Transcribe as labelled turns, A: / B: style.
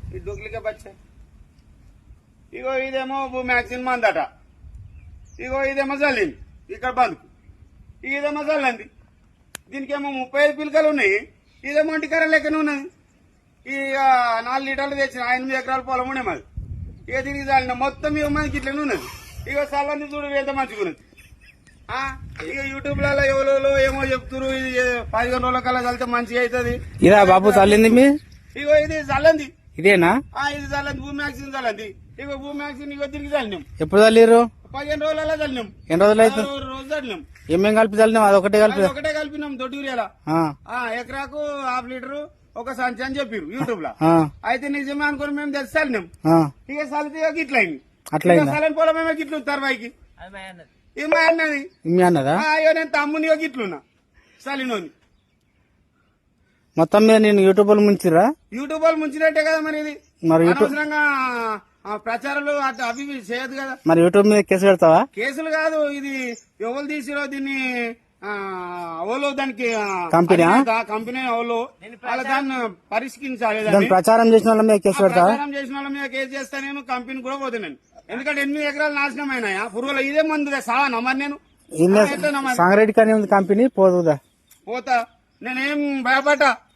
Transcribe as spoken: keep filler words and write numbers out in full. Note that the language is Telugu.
A: ఈ డూప్లికేట్ బచ్చా ఇగో ఇదేమో మ్యాక్సిన్ మందట ఇగో ఇదేమో చల్లింది ఇక్కడ బందుకు ఇదేమో చల్లంది దీనికేమో ముప్పై ఐదు పిలకలు ఉన్నాయి ఇదేమో ఇంటికర లెక్కనే ఉన్నది ఇక నాలుగు లీటర్లు తెచ్చిన ఎనిమిది ఎకరాల పొలం ఉండే మాది ఇక దీనికి చల్లిన మొత్తం ఇక మనకి ఇట్లనే ఉన్నది ఇక చల్లని చూడు ఎంత మంచిగా ఉన్నది ఇక యూట్యూబ్ లలో ఎవరో ఏమో చెప్తున్నారు ఇది పదిహేను రోజుల కల్లా చల్లితే మంచిగా అవుతుంది
B: ఇదా బాబు చల్లింది మీ
A: ఇగో ఇది చల్లంది
B: ఇదేనా
A: ఇది చల్లంది భూమి మ్యాక్సిన్ చల్లంది ఇగో భూమి మ్యాక్సిన్ ఇగో దీనికి చల్లినాం
B: ఎప్పుడు చల్లిరు
A: పదిహేను రోజులలో చల్లినాం
B: ఎన్ని రోజులు అయితే
A: రోజు చల్లినాం
B: ఏమేం కలిపి చల్లినాం అదొకటే కలిపి
A: ఒకటే కలిపినాం దొడ్డి యూరియాలా ఎకరాకు హాఫ్ లీటర్ ఒక సంచి అని చెప్పారు యూట్యూబ్ లో అయితే నిజమే అనుకుని మేము తెలిసి చల్లినాం ఇక చల్లితే ఇక గిట్ల అయింది
B: అట్లా
A: చల్లని పొలం ఏమో గిట్లు తర్వాయికి ఇది మా అన్నది
B: మీ అన్నదా
A: అయ్యో నేను తమ్ముని గిట్లున్నా చలినోని
B: మొత్తం మీద నేను యూట్యూబ్ లో ముంచిరా
A: యూట్యూబ్ వాళ్ళు ముంచినట్టే కదా మరి ఇది
B: మరి యూట్యూబ్
A: అనవసరంగా ప్రచారాలు అటు అవి ఇవి చేయదు కదా
B: మరి యూట్యూబ్ మీద కేసు పెడతావా
A: కేసులు కాదు ఇది ఎవరు తీసిరో దీన్ని ఓలో దానికి
B: కంపెనీ
A: కంపెనీ ఓలో వాళ్ళ దాన్ని పరిష్కరించాలి
B: దాన్ని ప్రచారం చేసిన వాళ్ళ మీద కేసు పెడతావా
A: ప్రచారం చేసిన వాళ్ళ మీద కేసు చేస్తా నేను కంపెనీ కూడా పోతున్నాను ఎందుకంటే ఎనిమిది ఎకరాలు నాశనం అయినాయా పురుగుల ఇదే మందుగా సావా మరి నేను
B: సంగారెడ్డి కానీ కంపెనీ పోదుదా
A: పోతా నేనేం భయపడ్డా